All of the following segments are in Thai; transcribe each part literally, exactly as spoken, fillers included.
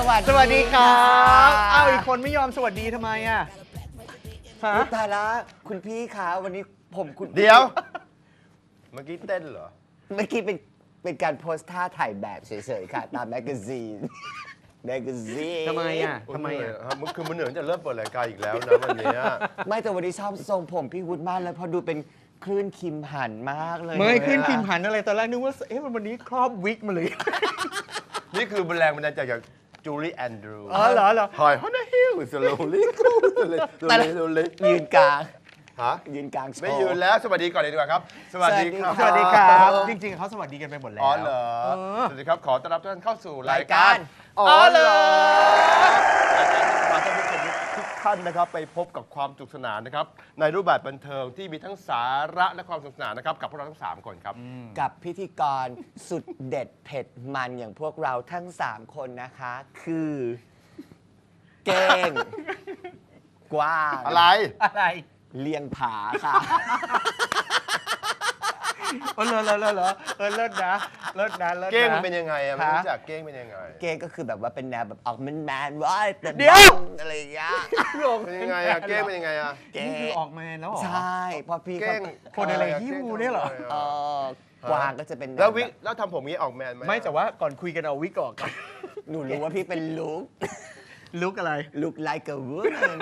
วัสดีสวัสดีครับอ้าวอีกคนไม่ยอมสวัสดีทำไมอ่ะฮะตายละคุณพี่คะวันนี้ผมคุณเดี๋ยว เมื่อกี้เต้นเหรอเมื่อกี้เป็นเป็นการโพสท่าถ่ายแบบเฉยๆค่ะ ตามแมกกาซีนแมกกาซีนทำไมอ่ะทำไมอ่ะครับมันคือมันเหนื่อยจะเริ่มเปิดรายการอีกแล้วนะวันเนี้ยไม่แต่วันนี้ชอบทรงผมพี่วุฒิมากเลยเพอดูเป็นคลื่นคิมหันมากเลยไม่ขึ้นอะพิมพ์หันอะไรตอนแรกนึกว่าเอ๊ะวันนี้ครอบวิกมาเลยนี่คือแรงบันดาลใจจากจูลี่แอนดรูอ๋อเหรอเหรอหอยฮอนนาฮิลสโลลี่สโลลี่สโลลี่สโลลี่ยืนกลางฮะยืนกลางโชว์ไม่ยืนแล้วสวัสดีก่อนเลยดีกว่าครับ สวัสดีครับสวัสดีครับ จริงๆเขาสวัสดีกันไปหมดแล้วอ๋อเหรอเออสวัสดีครับขอต้อนรับทุกท่านเข้าสู่ราราย ยกาการ รอ๋อเหรอรายการที่จะพาท่านผู้ชมทุกท่านนะครับไปพบกับความสนุกสนานนะครับในรูปแบบบันเทิงที่มีทั้งสาระและความสนุกสนานนะครับกับพวกเราทั้งสามคนครับกับพิธีกรสุดเด็ดเผ็ดมันอย่างพวกเราทั้งสามคนนะคะ คือเก้ง กว้างอะไรอะไรเลียงผาค่ะเออเลิศเลิศเลิศเออเลิศนะเลิศนะเลิศนะเก้งมันเป็นยังไงอะไม่ฮะรู้จักเก้งเป็นยังไงเก้งก็คือแบบว่าเป็นแนวแบบออกแมนแมนๆว่าแต่เดี๋ยวอะไรอย่างเงี้ยเป็นยังไงอะเก้งเป็นยังไงอะนี่คือออกมาแล้วเหรอใช่เพอพี่เก้งคนอะไรฮิ้วเนี่ยเหรอเออกวางก็จะเป็นนแล้ววิบบแล้วทำผมงี้ออกแมนไหมไม่แต่ว่าก่อนคุยกันเอาวิกออกก่อนหนูรู้ว่าพี่เป็นลุกลุกอะไรลุก like a woman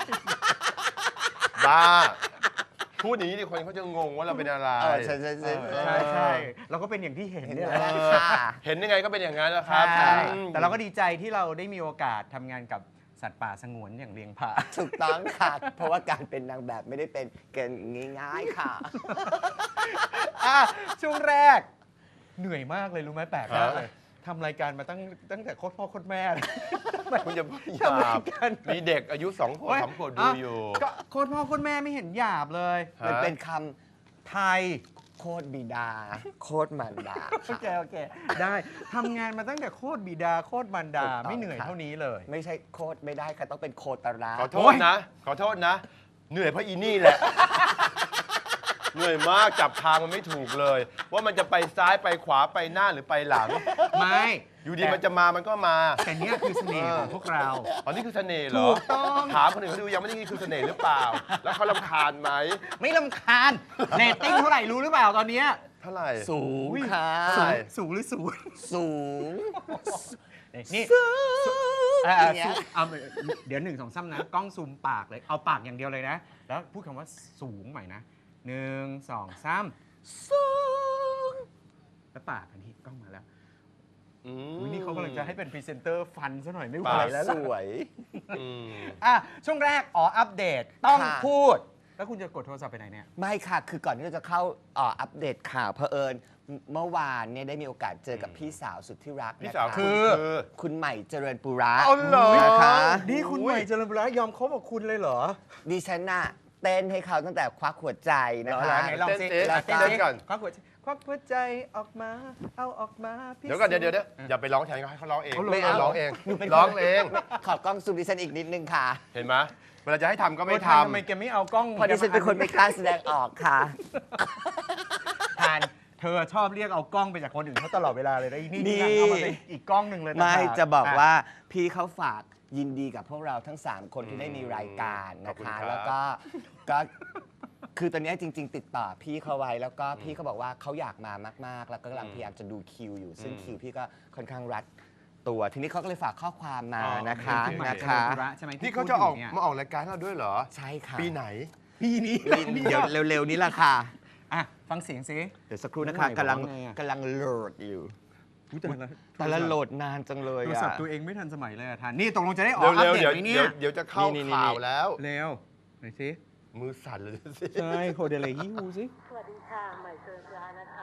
บ้าพูดอย่างนี้ดิคนเขาจะงงว่าเราเป็นอะไรเออใช่ใช่ใช่ใช่ใช่เราก็เป็นอย่างที่เห็นเห็นเนี่ยไหมแหละล่ะค่ะเห็นยังไงก็เป็นอย่างนั้นแหละครับใช่อืมแต่เราก็ดีใจที่เราได้มีโอกาสทำงานกับสัตว์ป่าสงวนอย่างเลียงผาถูกต้องค่ะ เพราะว่าการเป็นนางแบบไม่ได้เป็นเกินง่ายๆค่ะอ่ะช่วงแรก เหนื่อยมากเลยรู้ไหมแปลกมากเลยทำรายการมาตั้งตั้งแต่โคตรพ่อโคตรแม่เลยคุณจะพูดหทำไมยาบกันมีเด็กอายุสองขวบสามขวบดูอยู่ก็โคตรพ่อโคตรแม่ไม่เห็นหยาบเลยฮะมันเป็นคไทยำโคตรบิดา โคตรมารดาโอเคค่ะโอเค ได้ทำงานมาตั้งแต่โคตรบิดาโคตรมารดาถูกต้องไม่เหนื่อยค่ะเท่านี้เลยไม่ใช่โคตรไม่ได้ค่ะต้องเป็นโคตราขอโทษนะ ขอโทษนะ เหนื่อยเพราะอีนี่แหละ เหนื่อยมากจับทางมันไม่ถูกเลย ว่ามันจะไปซ้ายไปขวาไปหน้าหรือไปหลังไม่อยู่ดีมันจะมามันก็มาแต่เนี้ยคือเสน่ห์ของพวกเราอ๋อนี่คือเสน่ห์เหรอถูกต้องถามคนอื่นเขาดูยังไม่ได้นี่คือเสน่ห์หรือเปล่า แล้วเขารำคาญไหมไม่ลำคาญเรตติ้งเท่าไหร่รู้หรือเปล่าตอนเนี้ยเท่าไหร่สูงค่ะใช่สูงหรือสูงสูงนี่สูงเอ่ออย่างเงี้ยเอาเดี๋ยวหนึ่งสองซ้ำนะ กล้องซูมปากเลย เอาปากอย่างเดียวเลยนะ แล้วพูดคำว่าสูงใหม่นะหนึ่งสองซ้สูงำแล้วปากอันนี้กล้องมาแล้วอืมอุ๊ยนี่เขากำลังจะให้เป็นพรีเซนเตอร์ฟันซะหน่อยไม่ไหวปากแล้วสล่ะวยอืมอ่ะช่วงแรก อ๋อ อัปเดต ต้องค่ะพูด แล้วคุณจะกดโทรศัพท์ไปไหนเนี่ยไม่ค่ะ คือก่อนที่เราจะเข้าเอ่ออัปเดตข่าวเผอิญเมื่อวานเนี่ยได้มีโอกาสเจอกับพี่สาวสุดที่รักพี่นะสาวคะคือคุณใหม่เจริญปุระเอาเหรอนะคะนี่คุณใหม่เจริญบุระยอมคบกับคุณเลยเหรอดิฉันน่ะเต้นให้เขาตั้งแต่ควักหัวใจนะเหรอคะไหนลองสิเต้นแล้วเต้นเต้นเต้นก่อนควักหัวใจควักหัวใจออกมา เอาออกมาพี่เดี๋ยวก่อนเดี๋ยวเดี๋ยวเดี๋ยวสูงอย่าไปร้องแทนเขาให้เขาร้องเองเอาเลยไม่เอาเอาร้องเองหนูเป็นร้องเองขอกล้องซูมดิฉันอีกนิดนึงค่ะเห็นไหมเวลาจะให้ทำก็ไม่โอ้ททำไมแกไม่เอากล้องเพราะดิฉันเป็นคนไม่กล้าแสดงออกค่ะทานเธอชอบเรียกเอากล้องไปจากคนอื่นเขาตลอดเวลาเลยนะอีนี่นี่นี่เอามาเป็นอีกกล้องหนึ่งเลยไม่ต่างหากจะบอกะว่าพี่เขาฝากยินดีกับพวกเราทั้ง 3 คนที่ได้มีรายการนะขอบคุณคะครับแล้วก็ก็คือตอนนี้จริง ๆ ติดต่อพี่เขาไว้แล้วก็พี่เขาบอกว่าเขาอยากมามาก ๆ แล้วก็กำลังพยายามจะดูคิวอยู่ ซึ่งคิวพี่ก็ค่อนข้างรัดตัว ทีนี้เขาก็เลยฝากข้อความมานะคะคุณใหม่นะเจริคะญบุระใช่ไหมำที่นี่เขาจะออกพูดยู่นี่ยมาออกรายการให้เราด้วยเหรอใช่ค่ะปีไหนปีนี้เดี๋ยวเร็ว ๆ นี้แหละค่ะอ่ะฟังเสียงสิเดี๋ยวสักครู่นะคะน้องใหม่กำลังบอกว่าไงอะกำลังโหลดอยู่อุ๊ยแต่ละแต่ละโหลดนานจังเลยโทรอะศัพท์ตัวเองไม่ทันสมัยเลยอะทานนี่ตกลงจะได้ออกเร็วอัปๆเดตเดี๋ยวไหมเนี่เดี๋ยยวเดี๋ยวจะเข้านี่ๆๆข่าวแล้วเร็วไหนสิมือสั่นเลยสิใช่โคเดเลฮิวสิสวัสดีค่ะใหม่เจริญบุระนะคะ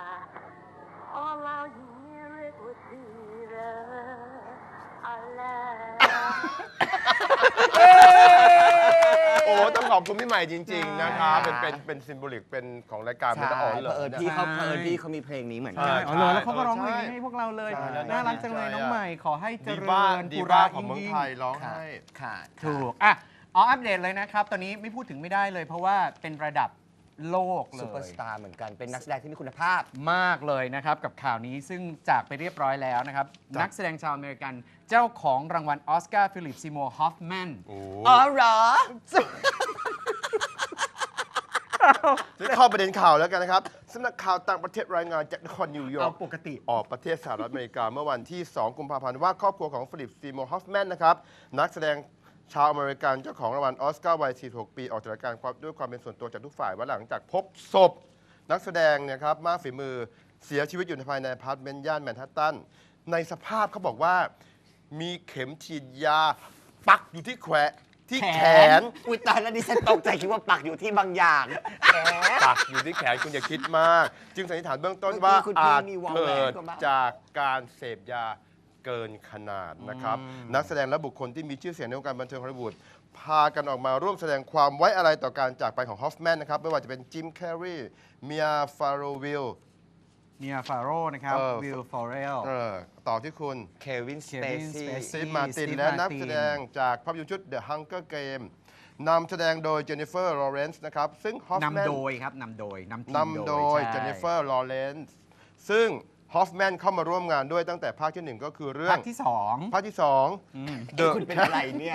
All I hear it would be the I love โอ้ต้องขอบคุณพี่ใหม่จริง ๆ นะคะเป็นเป็นเป็นซิมโบลิกเป็นของรายการใช่มันอ๋อนเพเลราะเอิญยพี่เขาเพราะเอิญพี่เขามีเพลงนี้เหมือนใช่กันอ๋อเหรอแล้วเขาก็ร้องใช่เพลงให้พวกเราเลยใช่แล้วน่ารักจังเลยดีใจน้องใหม่ขอให้เจดีริบ้าญดีปุบ้าระของเมืองยิ่งไทยร้องค่ะให้ค่ะถูกอ่ะอ๋ออัปเดตเลยนะครับ ตอนนี้ไม่พูดถึงไม่ได้เลย เพราะว่าเป็นระดับโลกเลซูเปอร์ยสตาร์เหมือนกันเป็นนักแสดงที่มีคุณภาพมากเลยนะครับ กับข่าวนี้ซึ่งจากไปเรียบร้อยแล้วนะครับ นักแสดงชาวอเมริกันเจ้าของรางวัลออสการ์ฟิลิปซีโมร์ฮอฟแมนโอ้อ๋อเหรอจะเข้าประเด็นข่าวแล้วกันนะครับสำนักข่าวต่างประเทศรายงานจากนครนิวยอเอาร์กปกติออกประเทศสหรัฐอเมริกาเมื่อวันที่ สอง กุมภาพันธ์ว่าครอบครัวของฟิลิปซีโมร์ฮอฟแมนนะครับนักแสดงชาวอเมริกันเจ้าของรางวัลออสการ์วัย สี่สิบหก ปีออกจากรายการความด้วยความเป็นส่วนตัวจากทุกฝ่ายว่าหลังจากพบศพนักแสดงเนี่ยครับมากฝีมือเสียชีวิตอยู่ภายในอพาร์ตเมนต์ย่านแมนฮัตตันในสภาพเขาบอกว่ามีเข็มฉีดยาปักอยู่ที่แขนที่แขนอุ้ยตายแล้วดิฉันตกใจคิดว่าปักอยู่ที่บางอย่างแขนปักอยู่ที่แขนคุณอย่าคิดมาก จึงสันนิษฐานเบื้องต้นว่าเมื่อกี้คุณพี่อาจมีวงแหวนเกิดก็บ้างจากการเสพยาเกินขนาดนะครับ นักแสดงและบุคคลที่มีชื่อเสียงในวงการบันเทิงฮอลลีวูดพากันออกมาร่วมแสดงความไว้อาลัยต่อการจากไปของฮอฟแมนนะครับไม่ว่าจะเป็นจิมแคร์รีเมียฟาโรวิลเมียฟาโร่นะครับเออวิลฟอเรลเออต่อที่คุณเควินสเป Kevin ซี่ Spacey สตีฟมาร์ติน Steve และนัก Martin แสดงจากภาพยนตร์ชุด The Hunger Game นำแสดงโดยเจนนิเฟอร์ลอเรนซ์นะครับซึ่งฮอฟแมนนำโดยครับนำโดยนำทีมนำโดยใช่เจนนิเฟอร์ลอเรนซ์ซึ่งฮอฟแมนเข้ามาร่วมงานด้วยตั้งแต่ภาคที่หนึ่งก็คือเรื่อภาง คที่สองภาคที่สองเดี๋ยวคุณเป็นอะไรเนี่ย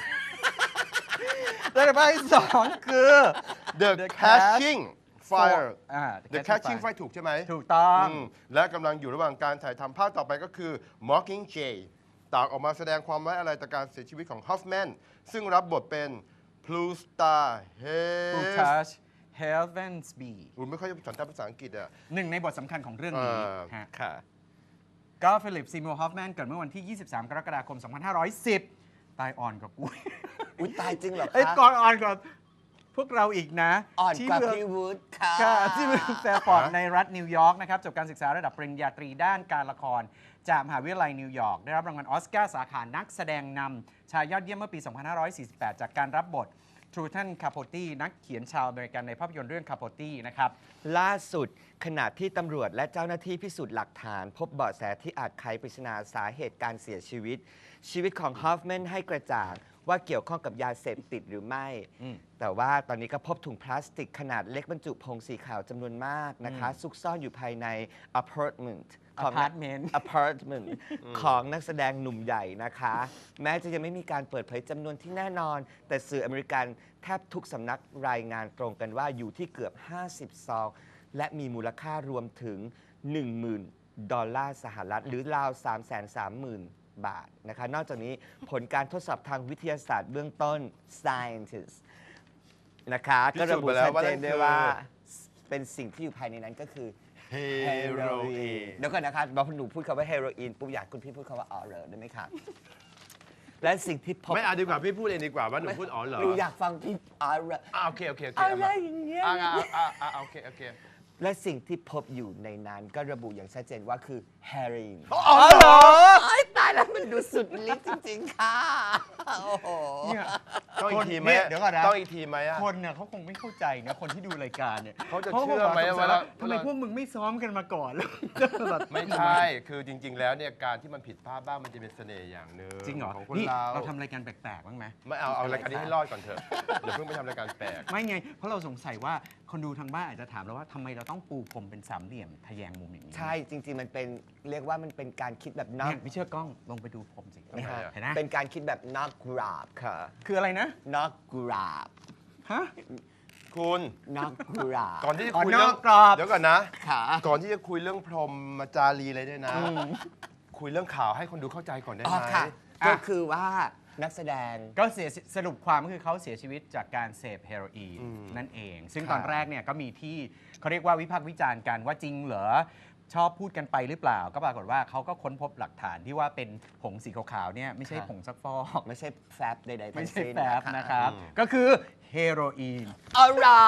แล้วภาคที่สองคือ The The Catching Fire อ่า The Catching Fire ถูกใช่ไหมถูกต้องอืมและกำลังอยู่ระหว่างการถ่ายทำภาคต่อไปก็คือ Mockingjay ต่างออกมาแสดงความไว้อะไรต่อการเสียชีวิตของฮอฟแมนซึ่งรับบทเป็น Blue Star บู Hayes ทัชเฮลเวนส์บีผมไม่ค่อยจะสนใจภาษาอังกฤษอ่ะหนึ่งในบทสำคัญของเรื่องนี้เออฮะค่ะก็ฟิลิปซีโมร์ฮอฟแมนเกิดเมื่อวันที่ ยี่สิบสาม กรกฎาคม สองพันห้าร้อยสิบ ตายอ่อนกว่ากูอุ้ยตายจริงเหรอเอ้ยคะก่อนอ่อนกว่าพวกเราอีกนะอ่อนที่กว่าเมืองพี่วูดค่ะค่ะที่เมืองแฟร์ฟอร์ดฮะในรัฐนิวยอร์กนะครับจบการศึกษาระดับปริญญาตรีด้านการละคร จากมหาวิทยาลัยนิวยอร์กได้รับรางวัลออสการ์สาขานักแสดงนำชายยอดเยี่ยมเมื่อปี สองพันห้าร้อยสี่สิบแปด จากการรับบททรูทันคาโพตีนักเขียนชาวอเมริกันในภาพยนตร์เรื่องคาโพตีนะครับล่าสุดขณะที่ตำรวจและเจ้าหน้าที่พิสูจน์หลักฐาน พบเบาะแสที่อาจไขปริศนาสาเหตุการเสียชีวิต ชีวิตของฮอฟแมนให้กระจ่างว่าเกี่ยวข้องกับยาเสพติดหรือไม่อืมแต่ว่าตอนนี้ก็พบถุงพลาสติกขนาดเล็กบรรจุผงสีขาวจำนวนมากนะคะ ซุกซ่อนอยู่ภายในอพาร์ตเมนต์ของ Apartment อพาร์ตเมนต์ของนักแสดงหนุ่มใหญ่นะคะ แม้จะยังไม่มีการเปิดเผยจำนวนที่แน่นอน แต่สื่ออเมริกันแทบทุกสำนักรายงานตรงกันว่าอยู่ที่เกือบ ห้าสิบ ซอง และมีมูลค่ารวมถึง หนึ่งหมื่น ดอลลาร์สหรัฐ หรือราว สามแสนสามหมื่น บาทนะคะ นอกจากนี้ผลการทดสอบทางวิทยาศาสตร์เบื้องต้น scientist นะคะ ก็ระบุชัดเจนด้วยว่าเป็นสิ่งที่อยู่ภายในนั้นก็คือเฮโรอีนเดี๋ยวก่อนนะคะบอกหนูพูดคำว่าเฮโรอีนปุ๊บอยากคุณพี่พูดคำว่าอ๋อเหรอได้ไหมคะ และสิ่งที่พบไม่เอาดีกว่าพี่พูดเองดีกว่าว่าหนูพูดอ๋อเหรอหนูอยากฟังพี่อ๋อเหรออ่าโอเคโอเคโอเคอะไรเมาอย่างเงี้ยอ่าอ่าอ่าอ่าโอเคโอเคและสิ่งที่พบอยู่ในนั้นก็ระบุอย่างชัดเจนว่าคือเฮโรอีนอ๋อเหรอไอ้ตายแล้วมันดูสุดฤทธิ์จริง ๆ ค่ะ โอ้โหเนี่ยต้องอีกทีไหมเนี่ยเดี๋ยวก่อนนะต้องอีกทีไหมอ่ะคนเนี่ยเขาคงไม่เข้าใจนะคนที่ดูรายการเนี่ยเขาจะก็เชื่อไหมบกว่าเราทำไมพวกมึงไม่ซ้อมกันมาก่อนแล้วแบบไม่ใช่ คือจริง ๆ แล้วเนี่ยการที่มันผิดพลาดบ้างมันจะเป็นเสน่ห์อย่างหนึ่งจริงเหรอของคนนี่เราเราทำรายการแปลกๆบ้างไหมไม่เอาเอารายการนี้ให้รอดก่อนเถอะเดี๋ยวเพิ่งไปทำรายการแปลกไม่ไง เพราะเราสงสัยว่าคนดูทางบ้านอาจจะถามเราว่าทำไมเราต้องปูพรมเป็นสามเหลี่ยมทะแยงมุมอย่างนี้ใช่จริง ๆ มันเป็นเรียกว่ามันเป็นการคิดแบบนอเนี่กยไม่เชื่อกล้องลงไปดูผมสิทำไมอะเห็นไหมเป็นการคิดแบบนอกกราบค่ะคืออะไรนะนอกกราบฮะคุณนอกกราบก่อนที่จะอ๋อคุยเรื่นอกกรอบเดี๋ยวก่อนนะค่ะก่อนที่จะคุยเรื่องพรหมมาจารีอะไรด้วยนะ คุยเรื่องข่าวให้คนดูเข้าใจก่อนได้อ๋อไหมค่ะอ่ะก็คือว่านักแสดงก็เสียสรุปความก็คือเขาเสียชีวิตจากการเสพเฮโรอีนอืมนั่นเอง ซึ่งครับตอนแรกเนี่ยก็มีที่เขาเรียกว่าวิพากษ์วิจารณ์กันว่าจริงเหรอ ชอบพูดกันไปหรือเปล่า ก็ปรากฏว่าเขาก็ค้นพบหลักฐานที่ว่าเป็นผงสีขาวๆเนี่ยไม่ใช่ผงซักฟอกไม่ใช่แฟบใดๆไม่ทั้งใช่สิ้นแฟบนะครับ ก็คือเฮโรอีนเอาเหรอ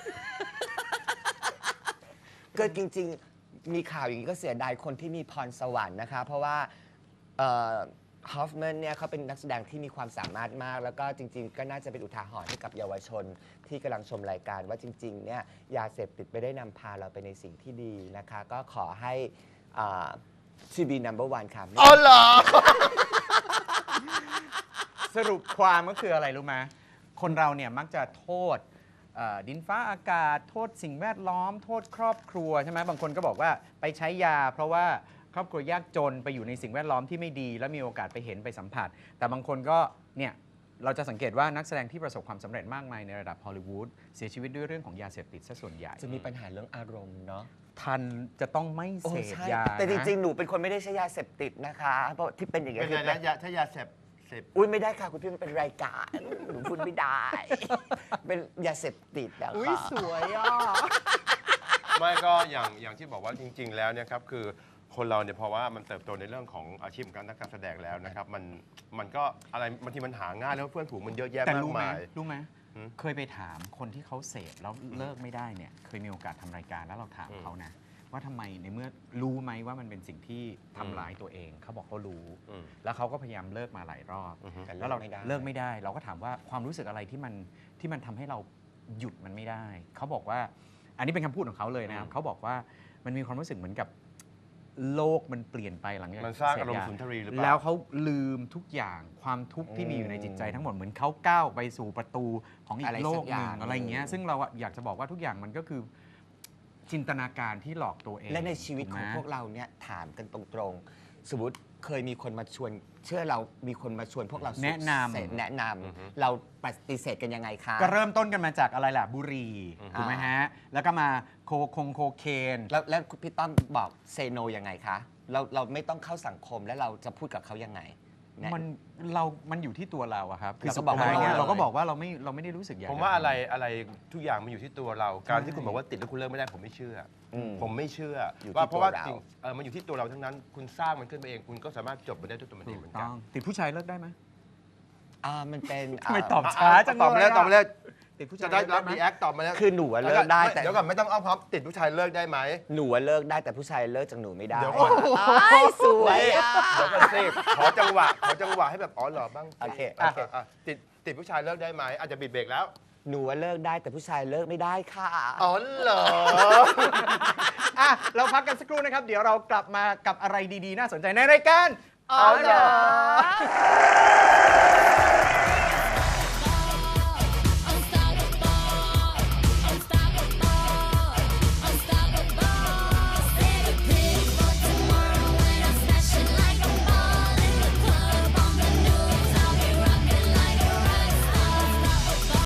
ก็จริง ๆ มีข่าวอย่างนี้ก็เสียดายคนที่มีพรสวรรค์นะคะ เพราะว่าฮอฟแมนเนี่ยเขาเป็นนักแสดงที่มีความสามารถมาก แล้วก็จริง ๆ ก็น่าจะเป็นอุทาหรณ์ให้กับเยาวชนที่กำลังชมรายการว่าจริง ๆ เนี่ยยาเสพติดไม่ได้นำพาเราไปในสิ่งที่ดีนะคะ ก็ขอให้ทีบี นัมเบอร์วัน ค่ะอ๋อเหรอสรุปความก็คืออะไรรู้ไหมคนเราเนี่ยมักจะโทษเอ่อดินฟ้าอากาศโทษสิ่งแวดล้อม โทษครอบครัวใช่ไหมบางคนก็บอกว่าไปใช้ยา เพราะว่าครอบครัวยากจนไปอยู่ในสิ่งแวดล้อมที่ไม่ดี แล้วมีโอกาสไปเห็นไปสัมผัส แต่บางคนก็เนี่ยเราจะสังเกตว่านักแสดงที่ประสบความสำเร็จมากมายในระดับฮอลลีวูดเสียชีวิตด้วยเรื่องของยาเสพติดซะส่วนใหญ่จะมีปัญหาเรื่องอารมณ์เนาะทันจะต้องไม่โอ้เสพใช่ยาแต่จริงนะๆ หนูเป็นคนไม่ได้ใช้ยาเสพติดนะคะเพราะที่เป็นอย่างเงี้เป็ยนคืไงอเป็นะนยาถ้ายาเสพเสพอุ้ยไม่ได้ค่ะคุณพี่มันเป็นรายการหนูพูดไม่ได้ เป็นยาเสพติดนะคะอุ้ยสวยอ่ะไม่ก็อย่างอย่างที่บอกว่าจริง ๆ แล้วเนี่ยครับคือคนเราเนี่ยเพราะว่ามันเติบโตในเรื่องของอาชีพการนักการแสดงแล้วนะครับมันมันก็อะไรบางทีมันหาง่ายแล้วเพื่อนฝูงมันเยอะแยะแต่มากรู้ไหมมายรู้ไหมหืมเคยไปถามคนที่เขาเสพแล้วเลิกไม่ได้เนี่ยเคยมีโอกาสทำรายการแล้วเราถามอืมเขานะ ว่าทำไมในเมื่อรู้ไหมว่ามันเป็นสิ่งที่ทำร้ายตัวเองเขาบอกเขารู้อืมแล้วเขาก็พยายามเลิกมาหลายรอบอือฮึแต่แล้วเราไม่ได้เลิกไม่ได้ เราก็ถามว่าความรู้สึกอะไรที่มันที่มันทำให้เราหยุดมันไม่ได้ เขาบอกว่า อันนี้เป็นคำพูดของเขาเลยนะครับอืมเขาบอกว่ามันมีความรู้สึกเหมือนกับโลกมันเปลี่ยนไปหลังจากมันสร้างเสพอารมณ์ยสุนทรีหรือเปล่าแล้วเขาลืมทุกอย่างความทุกข์ที่มีอยู่ในจิตใจทั้งหมดเหมือนเขาก้าวไปสู่ประตูของอีอะไรกโลสักกหอย่านึ่งงอะไรอย่างเงี้ยซึ่งเราอะอยากจะบอกว่าทุกอย่างมันก็คือจินตนาการที่หลอกตัวเองและในชีวิตของถูกไหมพวกเราเนี่ยถามกันตรงๆ สมมติเคยมีคนมาชวน เชื่อเรามีคนมาชวนพวกเราสูบแนะนำเสพแนะนอือฮึำเราปฏิเสธกันยังไงคะก็เริ่มต้นกันมาจากอะไรล่ะบุหรี่อืมถูกไหมฮะ แล้วก็มาโคคงโคเคนแล้วแล้วพี่ต้อมบอกเซโนยังไงคะเราเราไม่ต้องเข้าสังคมแล้วเราจะพูดกับเขายังไงแะมันเรา มันอยู่ที่ตัวเราอะครับคือสุดก็บอกว่าท้ายเนี่ยเราเราก็บอกว่าเราไม่เราไม่ได้รู้สึกอยากผมจว่าอะไรทำอะไรทุกอย่างมันอยู่ที่ตัวเรา การที่ใช่คุณบอกว่าติดแล้วคุณเลิกไม่ได้ผมไม่เชื่ออมผมไม่เชื่ออยู่ที่ว่าเพราะว่าตัวเราจริงเออมันอยู่ที่ตัวเราทั้งนั้น คุณสร้างมันขึ้นมาเอง คุณก็สามารถจบมันได้ด้วยตัวมันเองถูเหมืกอนกัต้นองติดผู้ชายเลิกได้ไหมอ่ามันเป็นทำไมาตอบช้าจังตอบมาแล้วเลยอะตอบมาแล้วติดผู้ชายจะได้รับเลิรีกแอได้ไหมคตอบมาแล้วคือหนูอะเลิกได้แต่เดี๋ยวก่อนไม่ต้องอ้อมพร้อมติดผู้ชายเลิกได้ไหมหนูอะเลิกได้แต่ผู้ชายเลิกจากหนูไม่ได้เดี๋ยวก่อนอ้ายสวยอ่ะเดี๋ยวกันสิขอจังหวะขอจังหวะให้แบบอ๋อเหรอบ้างโอเคอ่ะโอเคอ่ะติดติดผู้ชายเลิกได้ไหมอาจจะบิดเบรกแล้วหนูอะเลิกได้แต่ผู้ชายเลิกไม่ได้ค่ะอ๋อเหรออ่ะเราพักกันสักครู่นะครับ เดี๋ยวเรากลับมากับอะไรดีๆ น่าสนใจในรายการอ๋อเหรอ